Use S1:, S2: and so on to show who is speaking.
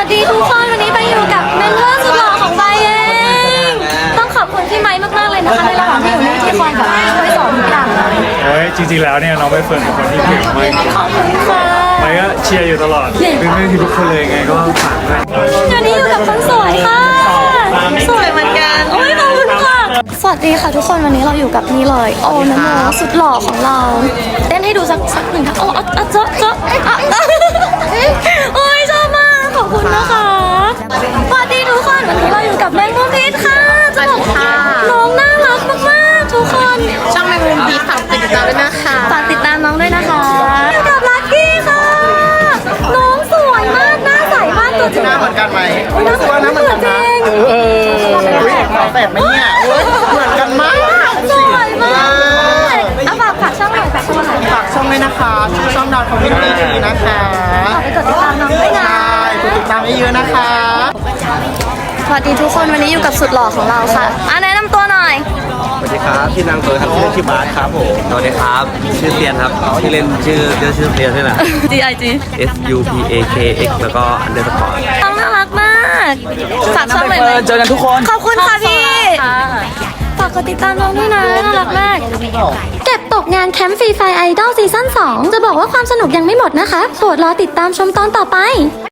S1: วัสดีทุกคนวันนี้ไปอยู่กับเมนเทอร์สุดหล่อของใบเองต้องขอบคุณพี่ไม้มากๆเลยนะคะในระหว่างที่อยู่นี่ที่คอยแบบช่วยสอนทุกอย่างเลย
S2: โอ้ยจริงๆแล้วเนี่ยน้องใบเฟิร์นเป็นคนที่เก่งมาก
S1: ขอบคุณค่ะ
S2: ไปก็เชียร์อยู่ตลอดเป็นแม่ที่ทุกคนเลยไงก็ฝากด้วย
S1: วันนี้อยู่กับคนสวยค่ะสวยเหมือนกันโอ้ยขอบคุณค่ะสวัสดีค่ะทุกคนวันนี้เราอยู่กับนี่เลยโอนะโมสุดหล่อของเราเต้นให้ดูสักหนึ่งค่ะโอ้เจ๊ะโอ้ยชอบมากขอบคุณนะคะสวัสดีทุกคนวันนี้เราอยู่กับแมงมุมพิษค่ะจะบอกน้องน่ารักมากๆทุกคน
S3: ช่องแมงมุมพีฝากติดตามด้วยนะคะ
S1: ฝากติดตามน้องด้วยนะคะอยู่กับลักกี้ค่ะ น้องสวยมากหน้าใสมากตัวจริง
S3: หน้าเหมือนกันไหม
S1: หน้าสวยเหมือนกันจริง
S3: ขอแฝดไหมเนี่ยเหมือนกันมาก
S1: สวยมากเอาฝากช่องหน่อยฝากช่องหน่อย
S3: ฝากช่องด้วยนะคะชื่อช่องดาวคอมมิวนิตี้นะคะ
S1: ฝากไปกดติดตามน้องด้วยนะ
S3: ใช่กดติดตามเยอะๆนะคะ
S1: สวัสดีทุกคนวันนี้อยู่กับสุดหล่อของเราค่ะแนะนำตัวหน่อย
S4: สวัสดีครับพี่นางเฟิร์นครับชื่อเล่นชื่อบาสครับผมสวัสดีครับชื่อเตียนครับชื่อเล่นชื่อเตียนใช่ไหม
S1: GIG
S4: S U P A K X แล้วก็อันเดอร์สกอร์
S1: น้องน่ารักมากฝากช่องหน่อยไหม
S4: เจอกันทุกคน
S1: ขอบคุณค่ะพี่ฝากกดติดตามน้องด้วยนะน่ารักมากเก็บตกงานแคมป์ฟรีไฟไอดอลซีซั่น2จะบอกว่าความสนุกยังไม่หมดนะคะโปรดรอติดตามชมตอนต่อไป